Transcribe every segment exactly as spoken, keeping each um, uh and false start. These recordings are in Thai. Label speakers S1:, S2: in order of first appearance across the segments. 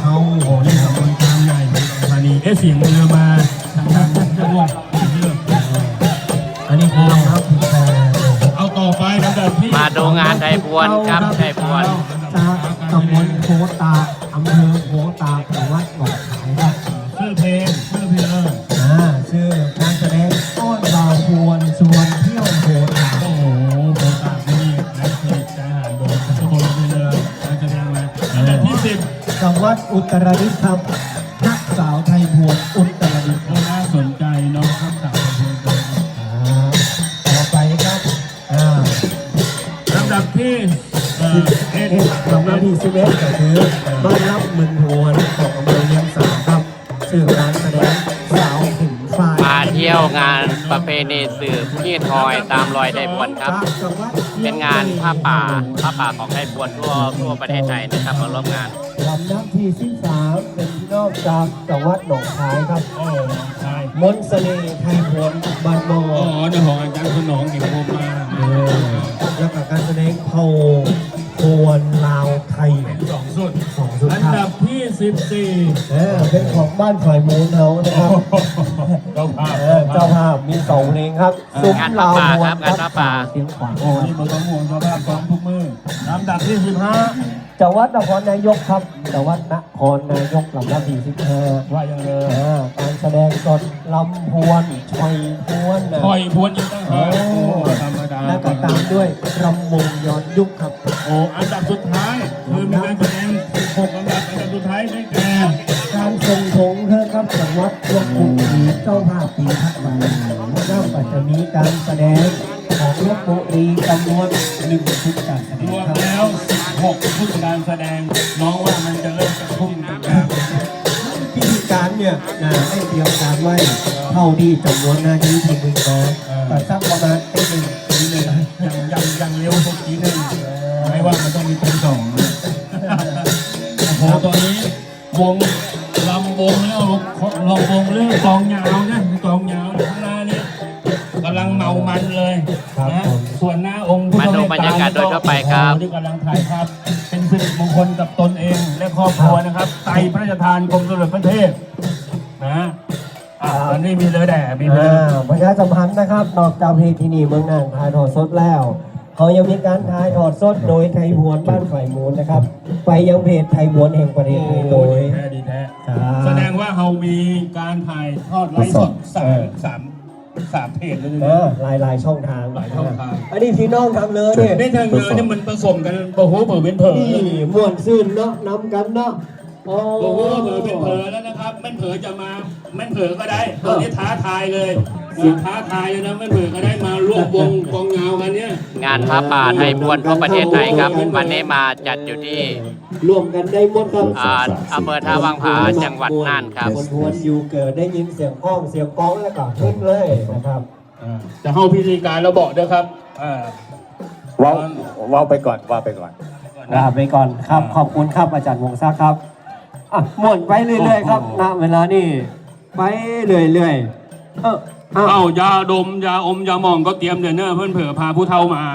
S1: เขาโอ้นี่ตำบลกลางใหญ่ธานีเอ๊ะเสียงเรือมาทางทางจะง่วงเรืออันนี้คือครับเอาต่อไปลำดับที่
S2: มาดูงานไทยพวนครับไทยพวน
S3: จากตำบลโพตาอำเภอโพตาจังหวัดหนองคายครับ
S1: ชื่อเพลงชื่อเพลง
S3: อ่าชื่อการแสดงต้นบ่าวพวนชวนเที่ยวโพตา
S1: โอ้โหโพตาที่นี่นักเทศใจหายโดนทุกคนเลยการแสดงมาอันดับที่สิบ
S3: จังหวัดอุตรดิตถ์ครับนักสาวไทยพวนอุตรดิตถ์
S1: น่าสนใจเนาะครับสาวไทยพวน
S3: ต่อไปครับอ่า
S1: ลำดับที่
S3: เอ็ดลำดับที่สิบเอ็ดก็คือบ้านรับเมืองพวนของอำเภอเลียงสาครับสื่อการแสดงสาวหินฟ้า
S2: มาเที่ยวงานประเพณีสืบที่ทอยตามรอยไทยพวนครับเป็นงานผ้าป่าผ้าป่าของไทยพวนทั่วทั่วประเทศไทยนะครับมาร่วมงาน
S3: ลำดับที่สิบสามเป็นพี่น้องจากจังหวัดหนองคายครับ
S1: โอ้หนองคาย
S3: มนต์เสน่ห์ไทยพวนบ้านโม
S1: อ๋อในของอาจารย์ขนองเห็นผมมา
S3: แล้วกับการแสดงเผ่าพวนลาวไทย
S1: สองสุด
S3: สองสุด
S1: อันดับที่สิบสี่
S3: เออเป็นของบ้านฝ่ายมูลเขานะครับ
S1: เจ้าภาพ
S3: เจ้าภาพมีสองเพลงครับ
S2: สุขลาวพวนครับงานป่า
S3: เสียงขวาน
S1: โอ้นี่มันต้องห่วงเจ้าภาพสองทุกมือลำดับที่สิบห้า
S3: จังหวัดนครนายกครับจังหวัดนครนายกลำดับที่สิบห้า
S1: ว่าอย่างไร
S3: การแสดงสดลำพวนชอยพวน
S1: ชอยพวนยังตั้งหาธรรมดา
S3: แล้วก็ตามด้วยรำวงย้อนยุคครับ
S1: โอ้อันดับสุดท้ายคือมีการแสดงหกอันดับอันดับสุดท้ายได้แก่
S3: การทรงธงครับจังหวัดลบบุรีเจ้าภาพปีพักวันแล้วก็จะมีการแสดงของลบบุรีจำนวนหนึ่งชุดการแสดง
S1: รวมแล้วสิบหกชุดการแสดงน้องว่ามันจะเริ่มจะพุ่งกันแล้ว
S3: พิธีการเนี่ยได้เตรียมการไว้เท่าที่จำนวนนาทีที่หนึ่งน้อยแต่สักประมาณตีหนึ่ง
S1: ตีหนึ่งยังยังยังเร็วสักทีหนึ่งไม่ว่ามันต้องมีตีสองโอ้โหตอนนี้วงลำวงแล้วลำวงเรื่องกองยาวนะกองยาวข้างหน้านี่กำลังเมามันเลยนะส่วนหน้าองค์
S2: มาดูบรรยากาศโดยทั่วไปครับ
S1: ที่กำลังถ่ายภาพเป็นสิริมงคลกับตนเองและครอบครัวนะครับไตรพระราชทานกรมสมเด็จพระเทพนะอ่าอันนี้มีเลยแด่มีเลย
S3: ประชาสัมพันธ์นะครับนอกจากเพลงที่นี่เมืองน่านถ่ายทอดสดแล้วเขายังมีการถ่ายทอดสดโดยไทยพวนบ้านฝ่ายมูลนะครับไปยังเพจไทยพวนแห่งประเทศไทยโดย
S1: แท้ดีแท้แสดงว่าเขามีการถ่ายทอดไลฟ์สดสามสามสามเพจเลย
S3: นะหลายหลายช่องทาง
S1: หลายช่องทาง
S3: อันนี้พี่น้องทางเลยเนี่ย
S1: ได้ทางเลยเนี่ยมันผสมกันโอ้โหเปิดเป็นเผย
S3: นี่ม่วนซื่นเนาะนำกันเนาะ
S1: โอ้โหเผยเป็นเผยแล้วนะครับไม่เผยจะมาไม่เผยก็ได้ตอนนี้ท้าทายเลยท้าทายเลยนะไม่เผยก็ได้มาร่วมวงกองเงากันเนี่ย
S2: งานผ้าป่าไทยพวนทั่วประเทศไทยครับวันนี้มาจัดอยู่ที่
S3: รวมกันได้หมดครับ
S2: อำเภอท่าวังผาจังหวัดน่านครับ
S3: คนพวนอยู่เกิดได้ยินเสียงก้องเสียงก้องแล้วก็ขึ้นเลยนะครับ
S1: จะเข้าพิธีการเราบอกด้วยครับ
S3: ว้าวว้าวไปก่อนว้าวไปก่อนลาไปก่อนครับขอบคุณครับอาจารย์วงศักดิ์ครับอ่ะหมุนไปเรื่อยๆครับณเวลานี้ไปเรื่อยๆ
S1: เออเอายาดมยาอมยาหมองก็เตรียมเดี๋ยวเนอะเพื่อนเผื่อพาผู้เฒ่ามา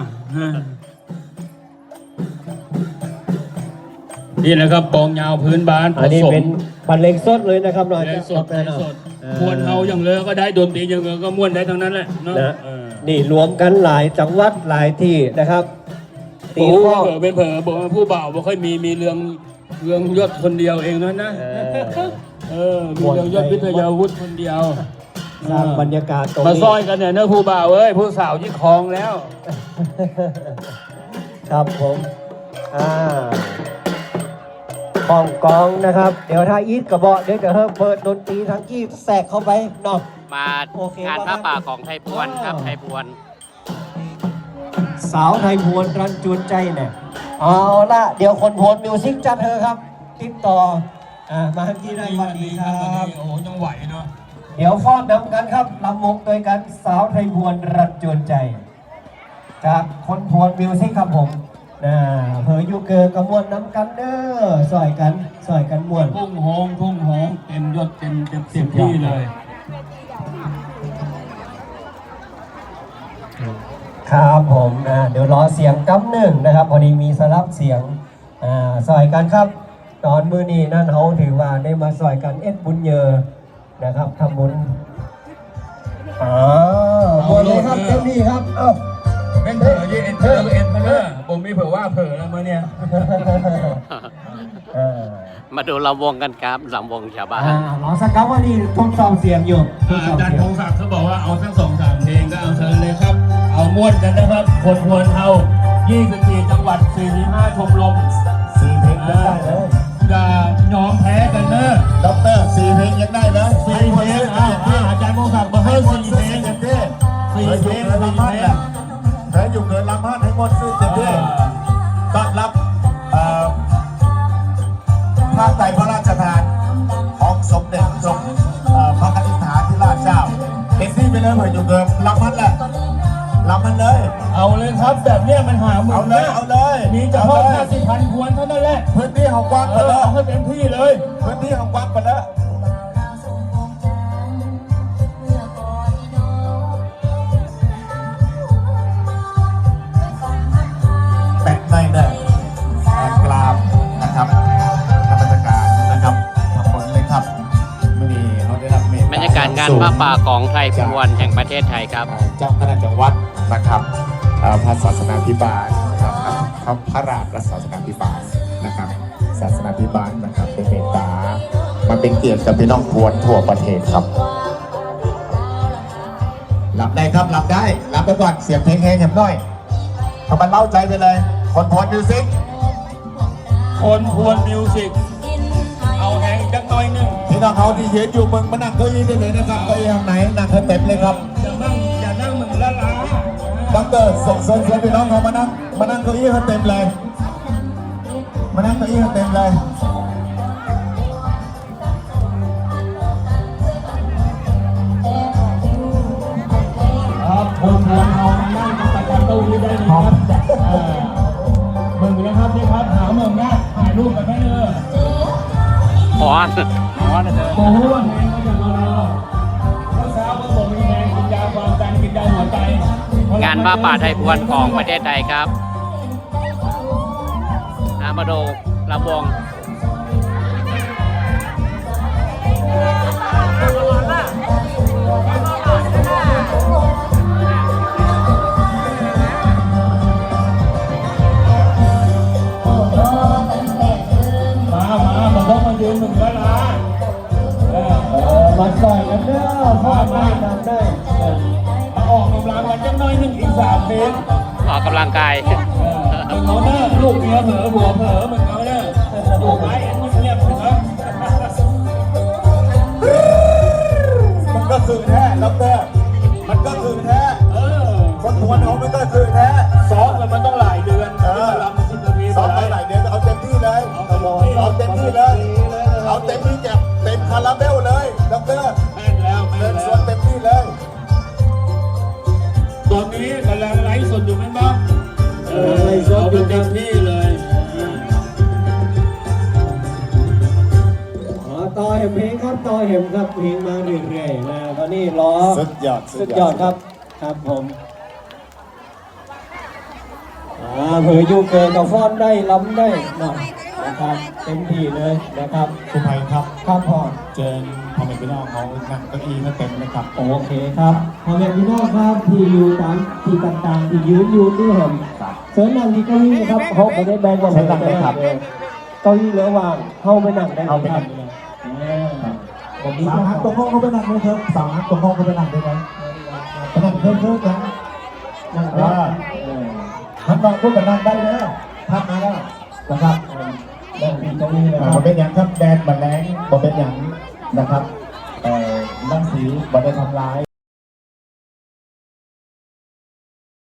S1: นี่แหละครับกองยาวพื้นบ้าน
S3: อันนี้เป็นบรรเลงสดเลยนะครับหน่อย
S1: สดสดมวนเอาอย่างเลยก็ได้ดนตรีอย่างเลยก็ม้วนได้ทั้งนั้นแหละเนาะ
S3: นี่รวมกันหลายจังหวัดหลายที่นะครับ
S1: ตีพ่อเผอเป็นเผอบอกว่าผู้บ่าวบ่ค่อยมีมีเรื่องเรื่องยศคนเดียวเองนั่นนะเออมีเรื่องยศวิทยาวุฒิคนเดียว
S3: สร้างบรรยากาศตรงนี้
S1: มาซอยกันเนี่ยเนื้อผู้บ่าวเอ้ยผู้สาวยี่คลองแล้ว
S3: ครับผมอ่าห้องกองนะครับเดี๋ยวถ้าอีทกระบอกเดี๋ยวจะเปิดดนตรีทั้งกี้แทรกเข้าไปเนาะ
S2: มางานผ้าป่าของไทยพวนครับไทยพวน
S3: สาวไทยพวนรันจวนใจเนี่ยเอาละเดี๋ยวคนพวนมิวสิกจัดเธอครับติดต่ออ่ามาที่ได้วันดีครับ
S1: โอ้ยังไหวเนาะ
S3: เดี๋ยวฟ้อนนำกันครับลำวงโดยกันสาวไทยพวนรันจวนใจจากคนพวนมิวสิกครับผมนะเผยยูเกอร์กระมวลน้ำกันเด้อสอยกันสอยกันมวน
S1: พุ่งโฮงพุ่งโฮงเต็มยศเต็มเต็มเต็มที่เลย
S3: ครับผมนะเดี๋ยวรอเสียงกำหนึ่งนะครับพอดีมีสลับเสียงอ่าสอยกันครับตอนมื้อนี้นั่นเขาถือว่าได้มาซอยกันเอ็ดบุญเยอนะครับทำบุญอ๋อบุญเลยครับเต็มที่ครับเอ้า
S1: เป็นเผลอยี่เอ็นเผลอเอ็นมาเนอะผมมีเผลอว่าเผลอแล้วมาเนี่ย
S3: เออ
S2: มาดูลำวงกันครับลำวงชาวบ้าน
S3: อ่าหลอสักครับว่านี่ทดสอบเสียงอยู่ทดสอบ
S1: อาจาร
S3: เสี
S1: ย์
S3: ย
S1: พ
S3: ง
S1: งศักดิ์เขาบอกว่าเอาสักสองสามเพลงก็เอาเชิญเลยครับ เอาม้วนกันนะครับ คนพวนเอายี่สิบสี่จังหวัดสี่สิบห้าชมรม
S3: สี่เพลงได้เลย
S1: อย่ายอมแพ้กันเนอะด็อกเตอร์สี่เพลงยังได้นะสี่เพลงอ่าอาจารย์พงศักดิ์มาให้สี่เพลงกันดิสี่เพลงสี่เพลง
S4: แพ้อยู่เกินลำพัดให้หมดซื้อเต็มที่ต้อนรับเอ่อผ้าไตรพระราชทานของสมเด็จสมเอ่อพระกนิษฐาธิราชเจ้าเต็มที่ไปเลยเผื่ออยู่เกินลำพัดแหละลำมันเลย
S1: เอาเลยครับแบบเนี้ยมันหาหมื่
S4: เอา
S1: น
S4: เลยเอาเลย
S1: มีเฉพาะห้าสิบพันพวนเท่านั้นแหละ
S4: พื้นที่ของกว้าง
S1: เอ
S4: ไป
S1: อ
S4: แล้ว
S1: เอาให้เต็มที่เลย
S4: พื้นที่ของกว้างไปแล้วแปะในเนี่ยกราบนะครับท่านราชการนะครับทำผลเลยครับมื่อนี้เขาได้รับเมตต
S2: บรรยากาศงานผ้าป่าของไทยพวนแห่งประเทศไทยครับ
S4: เจ้าคณะจังหวัดนะครับเอ่อพระศาสนาภิบาลนะครับพระพระราชพระศาสนาภิบาลนะครับ ศาสนาภิบาลนะครับเป็นเมตตามาเป็นเกียรติกับพี่น้องพวนทั่วประเทศครับรับได้ครับรับได้รับไปก่อนเสียงเพลงแห้งๆหน่อยทำมันเล่าใจไปเลย คนพวนมิวสิก
S1: คนพวนมิวสิกเอาแหงจักหน่อยหนึง
S4: พี่น้องเขาที่ยืนอยู่มึงมานั่งเก้าอี้ได้เลยนะครับเก้าอี้ทางไหนนั่งให้เต็มเลยครับ
S1: อย่านั่งอย่านั่งมึงละล้า
S4: ดรส่งเสริมเสียงพี่น้องเขามานั่งมานั่งเก้าอี้ให้เต็มเลย มานั่งเก้าอี้ให้เต็มเลย
S1: ครับคนพวนเอามานั่งตะกันตู้นี้ได้เลยครับเออมึงนะครับนี่ครับหาเมืองนะถ่ายรูปกันได้เลย
S2: พรพรนะเธอ
S1: โอ้โหแหงมาจากเราเมื่อเช้าเมื่อผมมีแหงกินยาความดันกินยาหัวใจ
S2: งานผ้าป่าไทยพวนของประเทศไทยครับนะมาดูลำวง
S1: มามามาต้องมายืนมึงละล้าเออ
S3: เออมาซอยกันเด้อพ่อได้นำได้
S1: มาออกกำลังกันจักหน่อยหนึงอีกสามเพลง
S2: ออกกำลังกาย
S1: มึงเอาเนอะลูกเมียเผลอผัวเผลอมึงเอาเนอะลูกไม้เอ็นมึงเงียบเถอะ
S4: มันก็คือแท้ดรมันก็คือแท้
S1: เออ
S4: คนพวนเขามันก็คือแท้
S1: ซ้อมกันมันต้องหลายเดือน
S4: เออ
S1: ลำมันสิบนาที
S4: ซ้อมไปหลายเดือนเอาเต็มที่เลย เอาเต็มที่เลย เอาเต็มที่แก็บเต็มคาราเบลเลยดร
S1: แม่นแล้วแม่
S4: เดิ
S1: น
S4: นส
S1: แล้ว
S4: วนเต็มที่เลย
S1: ตอนนี้กำลังไลฟ์สดอยู่ไหมบ้างเออเอาไปเต็มที่เลย
S3: อ๋อต่อเห็มเพลงครับต่อเห็มครับเพลงมาเรื่อยๆนะตอนนี้รอ
S4: สุดยอด
S3: สุดยอดครับครับผมอ่าเผยยูเกินกับฟอนได้ล้ำได้หน่อยนะครับเต็มที่เลยนะครับ
S4: คุณภัยครับ
S3: ครับพ่อ
S4: เจอพ่อแม่พี่น้องเขานั่งเก้าอี้ไม่เต็มเลยครับ
S3: โอเคครับพ่อแม่พี่น้องครับที่อยู่ตามที่ต่างๆที่ยืนอยู่ที่เห็นเชิญนั่งที่เก้าอี้นะครับเขาไม่ได้แบ่งว่าเชิญนั่งได้ครับเก้าอี้เหลือว่างเข้าไปนั่งได้เลยครับผมมี
S4: สาม
S3: ค
S4: ฮั
S3: รั
S4: ก
S3: บ
S4: ตรงห้องเขาไปนั่งเลยครับสามฮักตรงห้องเขาไปนั่งได้ไหมไปนั่งเพิ่มเพิ่มกัน
S3: นั่ง
S4: เอ
S3: ได้
S4: อท่านบางพูดกับนั่งได้แล้วทักมาแล้วนะครับ
S3: นั่งที่เก้าอี้นะค
S4: อ่า
S3: รับ
S4: บ่เป็นอย่างครับแดดบัดแรงบ่เป็นอย่างนะครับเอ่อรังสีบ่ได้ทำร้าย